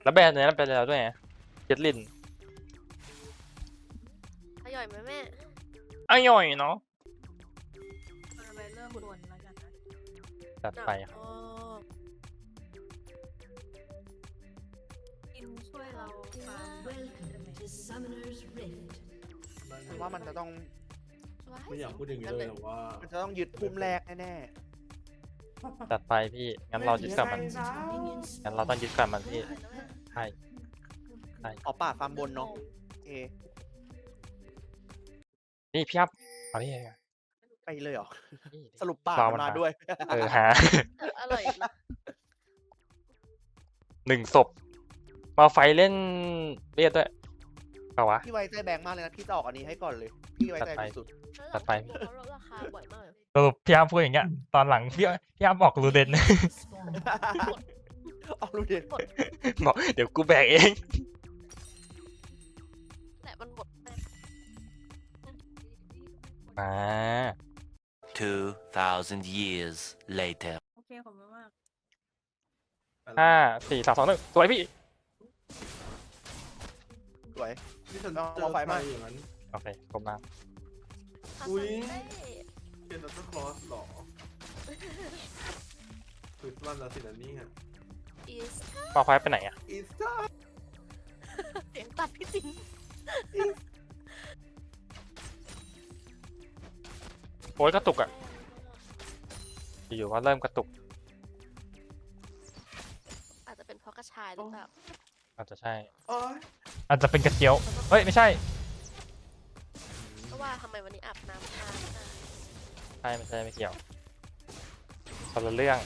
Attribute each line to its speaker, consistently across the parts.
Speaker 1: แล้วแบรนด์เนี้ยเป็นแล้วด้วยไงเจ็ดลิน
Speaker 2: อร่อยไหมแม่
Speaker 1: อร่อยเนาะ
Speaker 3: ไปเริ่มบนแล้วกันนะ
Speaker 1: จัดไปครับ
Speaker 2: อ๋อ
Speaker 3: กินช่วยเราฟาร์ม
Speaker 4: Welcome to Summoner's Rift.
Speaker 5: ว่ามันจะต้อง
Speaker 6: ไม่อยากพูดอย่างนี้เลยแต่ว่า
Speaker 5: มันจะต้องยึดพุ่มแรกแน่
Speaker 1: จัดไปพี่งั้นเรายึดกับมัน
Speaker 4: Minions
Speaker 1: งั้นเราต้องยึดกับมันพี่ใช่
Speaker 5: ๆเอาป่าฟาร์มบนเนาะโอเค
Speaker 1: นี่พี่อัพเอาดิ
Speaker 5: ไปเลยเหรอ
Speaker 1: นี่
Speaker 5: สรุปป่า
Speaker 1: เรา
Speaker 5: มัน
Speaker 1: มัน
Speaker 5: มา
Speaker 1: มา
Speaker 5: ด้วย
Speaker 1: หา
Speaker 2: อร่อยนะ
Speaker 1: 1 ศพมาไฟเล่นเรียดด้วยเปล่าวะ
Speaker 5: พี่ไว้ใจแบงค์มากเลยนะพี่จะออกอันนี้ให้ก่อนเลย พี่ไว้ใจสุด
Speaker 1: จัดไป
Speaker 2: เขาลดราคาบ่อยมาก
Speaker 1: สรุปพี่อัพพูดอย่างเงี้ยตอนหลังพี่อัพบอกรูเดน
Speaker 4: spawn.
Speaker 5: ๆเอาลูกเด็ด
Speaker 1: บอกเดี๋ยวกูแบกเอง
Speaker 2: แต่มันหมดแม่
Speaker 1: มา
Speaker 7: 2,000 years later.
Speaker 3: โอเคขอบคุณมาก
Speaker 1: 5 4 3 2 1สวยพี่
Speaker 5: สวย
Speaker 6: ที่ฉัน
Speaker 5: เอา
Speaker 6: เจอ
Speaker 5: เอาไฟ
Speaker 6: ไฟ
Speaker 5: มา
Speaker 6: อย่างนั้น
Speaker 1: โอเคกลมน้
Speaker 6: อุ๊ย
Speaker 2: เต้
Speaker 6: เป็นซันตาคลอสหรอคริสต์มาสแล้วสินะเนี่ย
Speaker 2: อีส
Speaker 1: ำมาไฟไปไหนอ่ะ
Speaker 6: อีสเตอร์
Speaker 2: เสียงตัดพี่จริง
Speaker 1: โอ้ยกระตุกอ่ะอยู่ๆก็เริ่มกระตุก
Speaker 2: อาจจะเป็นเพราะกระชายหรือเปล่า
Speaker 1: อาจจะใช่
Speaker 6: โอ้ย
Speaker 1: อาจจะเป็นกระเจียวเฮ้ยไม่ใช่
Speaker 2: เพราะว่าทำไมวันนี้อาบน้ำช้า
Speaker 1: ใช่ไม่ใช่ไม่เกี่ยวคนละเรื่อง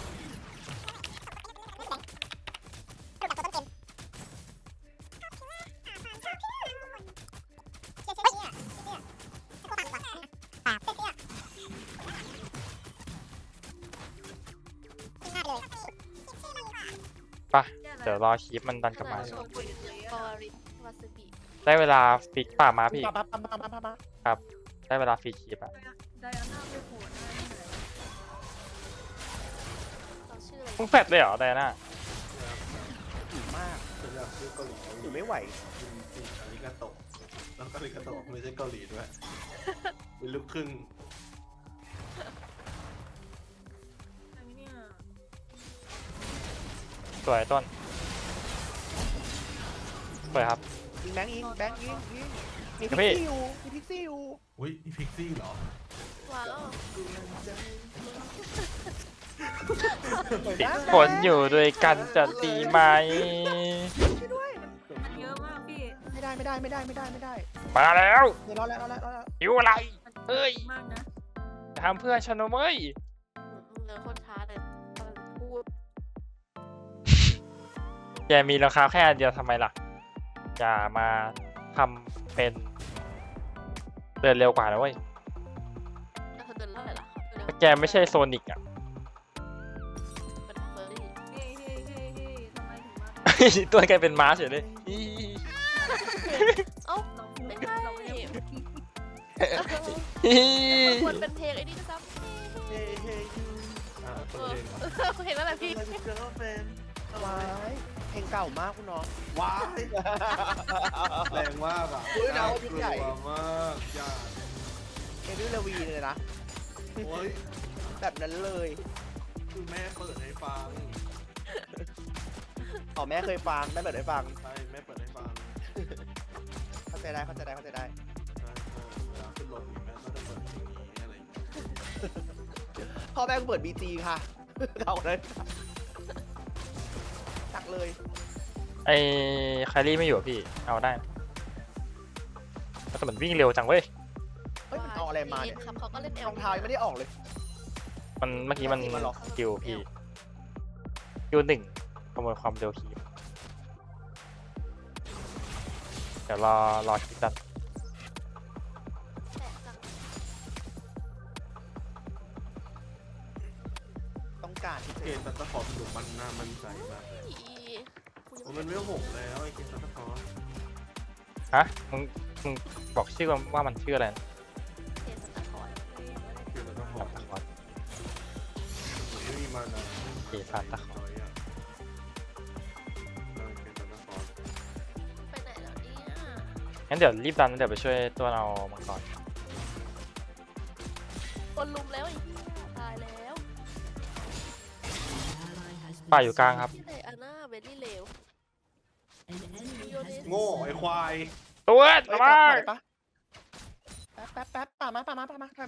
Speaker 1: ปะเดี๋ยวรอคลิปมันดันกลับมา
Speaker 2: โชกุนกอริวาซาบิ
Speaker 1: ได้เวลาฟิกป่ามาพี่
Speaker 5: ปั๊บปั๊บปั๊บปั๊บปั๊บปั๊บ
Speaker 1: ครับ ได้เวลาฟรีคลิปอะ
Speaker 3: ไดอาน่าไปโผล่หน้าที่ไหน
Speaker 2: เราชื่ออะไร
Speaker 1: มึงแฟดเลยเหรอไดอาน่า
Speaker 5: หิวมาก
Speaker 6: ฉันอยากพูดเกาหลี
Speaker 5: หิวไม่ไหว
Speaker 6: จริงๆอาริกาโตะแล้วก็อาริกาโตะไม่ใช่เกาหลีด้วยเป็นลูกครึ่ง
Speaker 3: อันนี้เนี่ย
Speaker 1: สวยต้นสวยครับ
Speaker 5: ยิงแบงค์ยิงแบงค์ยิงมี
Speaker 1: ครับ
Speaker 5: พิ
Speaker 1: พี่
Speaker 5: กซี่อยู่มีพิกซี่อยู่
Speaker 6: อุ้ยนี่พิกซี่เหรอ
Speaker 2: ว้าว
Speaker 1: ติดฝนอยู่ด้วยกันจะดีไหม
Speaker 3: มันเยอะมากพี่
Speaker 5: ไม่ได้ไม่ได้ไม่ได้ไม่ได้ไม่ได้
Speaker 1: มาแล้ว
Speaker 5: เดี๋ยวรอแล้วรอแล้วรอแล้ว
Speaker 1: หิวอะไร
Speaker 3: มัน
Speaker 1: เอ้ย
Speaker 3: มากนะ
Speaker 1: จะทำเพื่อนฉันนะเว้ย
Speaker 2: เดินโคตรช้าเลยกำลังพูด
Speaker 1: แกมีราคาแค่อันเดียวทำไมล่ะอย่ามาทำเป็นเดินเร็วกว่านะเว้ย
Speaker 2: แล้วเธอเดินเท่าไหร่ล่ะ
Speaker 1: ถ้าแกไม่ใช่โซนิกอ่ะ
Speaker 2: เป็นเฟอร์รี่
Speaker 3: เฮ้ยเฮ้ยเฮ้ยเฮ้ยทำไมถึงมา
Speaker 1: ตัวแกเป็นม้าเฉยเลยอี
Speaker 2: เอ้า
Speaker 3: เรา
Speaker 2: ไม่ใช่
Speaker 3: เราไม่ได้พูด
Speaker 1: อี
Speaker 2: ควรเป็นเพลงไอ้นี่ด้วยซ้ำ
Speaker 5: เฮ้ยเฮ้ย
Speaker 6: อ่าตัวเองเหรอ
Speaker 2: เห็นแล้วแหละพี่
Speaker 5: ว้ายเพลงเก่ามากคุณน้องว้าย
Speaker 6: แรงมากอ่ะ
Speaker 5: อุ๊ยน้อง
Speaker 6: ก
Speaker 5: ยิ่ง
Speaker 6: ลั
Speaker 5: ใหญ่
Speaker 6: วมากอย่า
Speaker 5: เอวิลเลวีเลยนะ
Speaker 6: โอ้ย
Speaker 5: แบบนั้นเลย
Speaker 6: คือแม่เปิดให้ฟัง
Speaker 5: อ๋อแม่เคยฟังแม่เปิดให้ฟัง
Speaker 6: ใช่แม่เปิดให้ฟัง
Speaker 5: เข้าใจได้เข้าใจได้เข้าใจได้
Speaker 6: ใช่เวลาขึ้นรถแม่ก็จะเปิดเพลงนี้อะไรอย่างเงี้ย
Speaker 5: พ่อแม่ก็เปิดบีจีค่ะเอาเลยตักเลย
Speaker 1: ไอ้ไคลี่ไม่อยู่อะพี่ เอาได้แต่มันวิ่งเร็วจังเว้ย
Speaker 5: เฮ้ยมันเอาอะไรมาเนี่ย
Speaker 2: ครับเขาก็เล่นเอล
Speaker 5: รองเท้ายังไม่ได้ออกเลย
Speaker 1: มันเมื่อกี้มัน
Speaker 5: มันเหรอ
Speaker 1: คิวพี่คิวหนึ่งขโมยความเร็วคีบเดี๋ยวรอคลิปกัน
Speaker 5: ต้องการที่
Speaker 6: เก
Speaker 5: จะ
Speaker 6: มซันตาคลอสดูมันน่ามั่นใจมากเลยโอ้มันไม่หกแล้วไอ้เกมซันตาคลอส
Speaker 1: ฮะมึงบอกชื่อว่ามันชื่ออะไรนะ
Speaker 2: เทสตาคอน
Speaker 6: เกมซันตาคลอ
Speaker 1: ซาน
Speaker 6: ส
Speaker 1: ตาคลอส
Speaker 6: ไม่มีมานะ
Speaker 1: เอซานตาคลอส
Speaker 6: เกมซันตา
Speaker 1: งั้นเดี๋ยวรีบดันเดี๋ยวไปช่วยตัวเรามังกร
Speaker 2: คนลุมแล้วไอ้เหี้ยตายแล้ว
Speaker 4: Ally has been
Speaker 1: ป่าอยู่กลางครับ
Speaker 2: ที่ไหนอาน่าเวลี่เลว
Speaker 4: An enemy has been
Speaker 6: โง่ไอ้ควาย
Speaker 1: ตัว
Speaker 5: เฮ้ย
Speaker 1: ระ
Speaker 5: ป
Speaker 1: วัง
Speaker 5: ปะแป๊บป่ามาถอยมาถอยมา
Speaker 1: มา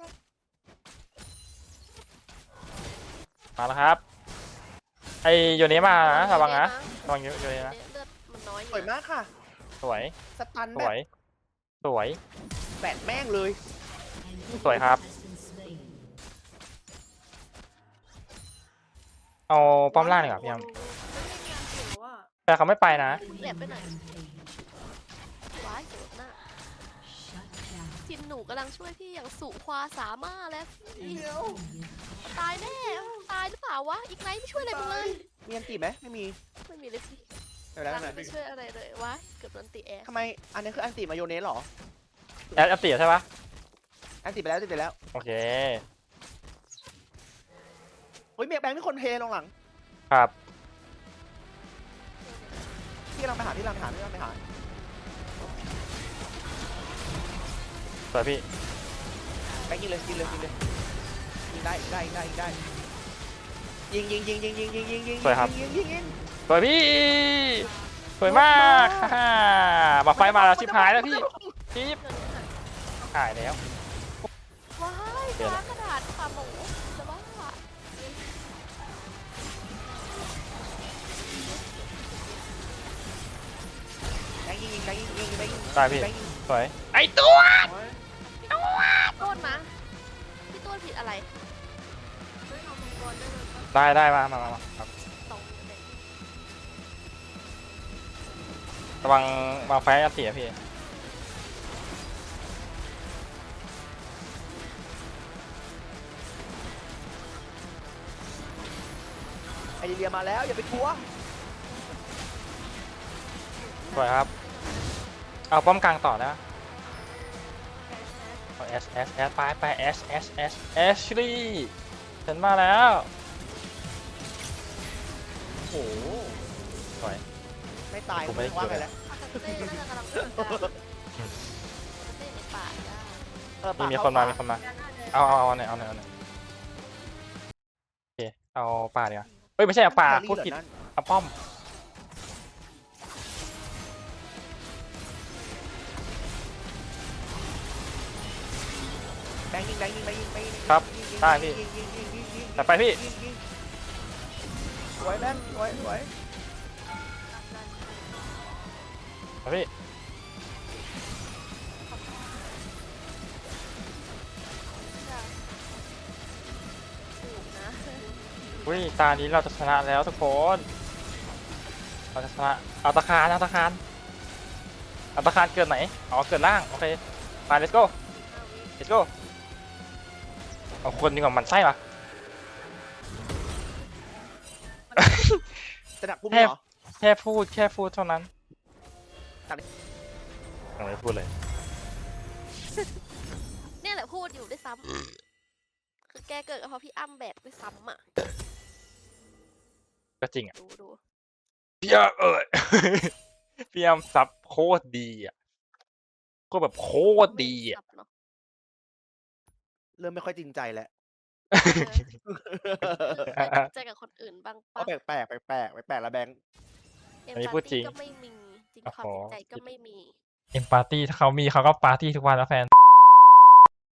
Speaker 1: แล้วครับไอโยนี้มานะระวังนะระวังโยนี้นะ
Speaker 2: เลือดมันน้อยอ
Speaker 5: สวย
Speaker 2: ยู่นะ
Speaker 5: มากค่ะ
Speaker 1: สวย
Speaker 5: สตัน
Speaker 1: ส
Speaker 5: แบ
Speaker 1: ว
Speaker 5: บ
Speaker 1: ยสวย
Speaker 5: แบดแม่งเลย
Speaker 1: สวยครับ
Speaker 4: has been slain.
Speaker 1: เอาป้อมล่างดีกว่าพี่ยม
Speaker 3: ไม่ได้งานถือว่า
Speaker 1: แต่เขาไม่ไปนะ
Speaker 2: แหลบไปไหน
Speaker 4: Rampage.
Speaker 2: ว้ายเจ็บหน้า
Speaker 4: Shut down.
Speaker 2: ทีมหนูกำลังช่วยพี่อย่างสุความสามารถแล้ว
Speaker 4: An enemy
Speaker 2: ตายแน่ตายหรือเปล่าวะอีกไนท์ไม่ช่วยอะไรมึงเลย
Speaker 5: มีอันตีไหมไม่มี
Speaker 2: ไม่มีเลยสิ
Speaker 5: เดี๋ยวแล้ว
Speaker 2: รัง
Speaker 5: หน่อย
Speaker 2: ไม่ช่วยอะไรเลยว้ายเกือบโดนตีแอร์
Speaker 5: ทำไมอันนี้คืออันตีมาโยเนสเหรอ
Speaker 1: แอดอัปเดตใช่ปะ
Speaker 5: อันตีไปแล้วอันตีไปแล้ว
Speaker 1: โอเค
Speaker 5: เฮ้ยเมียแบงค์นี่คนเทลงหลัง
Speaker 1: ครับ
Speaker 5: พี่กำลังไปหาพี่กำลังไปหาพี่กำลังไปหา
Speaker 1: สวยพี่
Speaker 5: แบงค์ยิงเลยยิงเลยยิงเลยยิงได้ได้ได้ได้ยิงยิงยิงยิงยิงยิงยิงยิง
Speaker 1: สวยครับ
Speaker 5: ยิงยิงยิง
Speaker 1: สวยพี่สวยมากฮ่ามาไฟมาแล้วชิบหายแล้วพี่ชิบหายแล้ว
Speaker 2: ว้าย
Speaker 1: เปลี่ยนละ
Speaker 2: ฟ้ากระดาษขาหมูจะบ้า
Speaker 5: แบงค์ยิงยิงแบงค์ยิงยิงแบงค์ยิง
Speaker 1: ตายพี่
Speaker 5: แบงค์ยิง
Speaker 1: สวยไอตัว
Speaker 2: โทษนะพี่ต้นผิดอะไร
Speaker 3: ไม่เอามังกรได้เลยปะ
Speaker 1: ได้มาครับ
Speaker 2: ตรงเลย
Speaker 1: ระวังมาไฟอัปเดตพี่
Speaker 5: ไอเดียมาแล้วอย่าไปทัวร์
Speaker 1: สวยครับเอาป้อมกลางต่อนะเอาแอสไปแอสลี่ฉันมาแล้ว
Speaker 5: โอ้โห
Speaker 1: สวย
Speaker 5: ไม่ตาย
Speaker 1: ผมไม่ได้
Speaker 5: ว่า
Speaker 1: เกี่
Speaker 5: ไง
Speaker 1: ยว
Speaker 5: แล้ว
Speaker 2: อาคาเต้น่าจะกำลังเดินทางอาคาเต้ในป่าได้
Speaker 1: นี่มีคนมามีคนมา
Speaker 3: ด้านหน้าเลย
Speaker 1: เอาหน่อยโอเคเอาป่าดีกว่าเฮ้ยไม่ใช่เอาป่าพูดผิดเอาป้อม
Speaker 5: แบงค์ยิงแบงค์ยิงแบงค์ยิงแบงค์ยิง
Speaker 1: ครับ
Speaker 5: ยิงยิง
Speaker 1: ได้พี่
Speaker 5: ยิงยิงยิงยิงยิง
Speaker 1: แต่ไปพี่
Speaker 5: ยิงยิงสวยแบงค์สวยสวย
Speaker 1: เอาพี่
Speaker 2: ถูกนะ
Speaker 1: อุ้ยตานี้เราจะชนะแล้วทุกคนเราจะชนะเอาตะคารเกิดไหนอ๋อเกิดล่างโอเคไป let's go เอาคนดีกว่ามันไส้ปะ
Speaker 5: จะดักปุ๊บ
Speaker 1: แทบ
Speaker 5: เหรอ
Speaker 1: แค่พูดเท่านั้น
Speaker 5: ตัดดิ
Speaker 1: ยังไม่พูดเลย
Speaker 2: เนี่ยแหละพูดอยู่ด้วยซ้ำคือแกเกิดกับเพราะพี่อ้ำแบกด้วยซ้ำอ่ะ
Speaker 1: ก็จริงอ่ะ
Speaker 2: ดู
Speaker 1: พี่อ้ำพี่อ้ำซับโคตรดีอ่ะก็แบบโคตรดีอ่ะ
Speaker 2: สับเนาะ
Speaker 5: เริ่มไม่ค่อยจริงใจแล้ว
Speaker 2: ใจกับคนอื่นบ้าง
Speaker 5: เอา
Speaker 2: ปะ
Speaker 5: แปลกแปลกแล้วแบงค์
Speaker 1: อันนี้พูดจริง
Speaker 2: ก็ไม่มีจริง
Speaker 1: โอ้
Speaker 2: ความ
Speaker 1: โห
Speaker 2: จริงใจก็ไม่มี
Speaker 1: เอ็มปาร์ตี้ถ้าเขามีเขาก็ปาร์ตี้ทุกวันแล้วแฟน